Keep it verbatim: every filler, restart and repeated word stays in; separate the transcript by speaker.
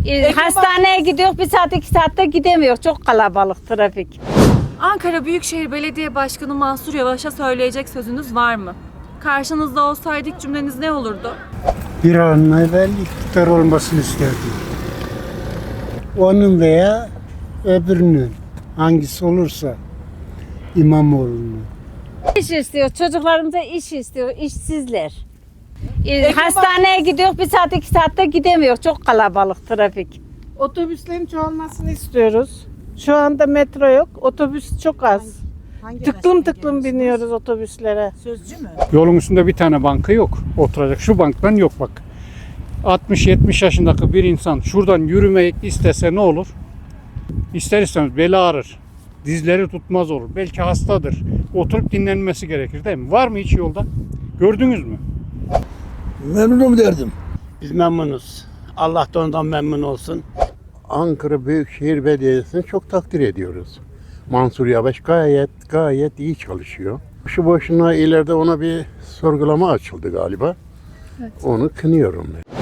Speaker 1: Ee, hastaneye gidiyor, bir saat iki saatte gidemiyor. Çok kalabalık trafik.
Speaker 2: Ankara Büyükşehir Belediye Başkanı Mansur Yavaş'a söyleyecek sözünüz var mı? Karşınızda olsaydı ilk cümleniz ne olurdu?
Speaker 3: Bir an evvel iktidar olmasını isterdim. Onun veya öbürünün, hangisi olursa, İmamoğlu'nun.
Speaker 1: İş istiyor, çocuklarımıza iş istiyor, işsizler. Ee, hastaneye gidiyor, bir saat iki saatte gidemiyor. Çok kalabalık trafik.
Speaker 4: Otobüslerin çoğalmasını istiyoruz. Şu anda metro yok, otobüs çok az. Tıklım tıklım biniyoruz otobüslere.
Speaker 5: Yolun üstünde bir tane banka yok. Oturacak. Şu banktan yok bak. altmış yetmiş yaşındaki bir insan şuradan yürümek istese ne olur? İster istemez beli ağrır. Dizleri tutmaz olur. Belki hastadır. Oturup dinlenmesi gerekir değil mi? Var mı hiç yolda? Gördünüz mü?
Speaker 6: Memnunum derdim.
Speaker 7: Biz memnunuz. Allah da ondan memnun olsun.
Speaker 8: Ankara Büyükşehir Belediyesi'ni çok takdir ediyoruz. Mansur Yavaş gayet gayet iyi çalışıyor. Şu boşuna ileride ona bir sorgulama açıldı galiba. Evet. Onu kınıyorum ben.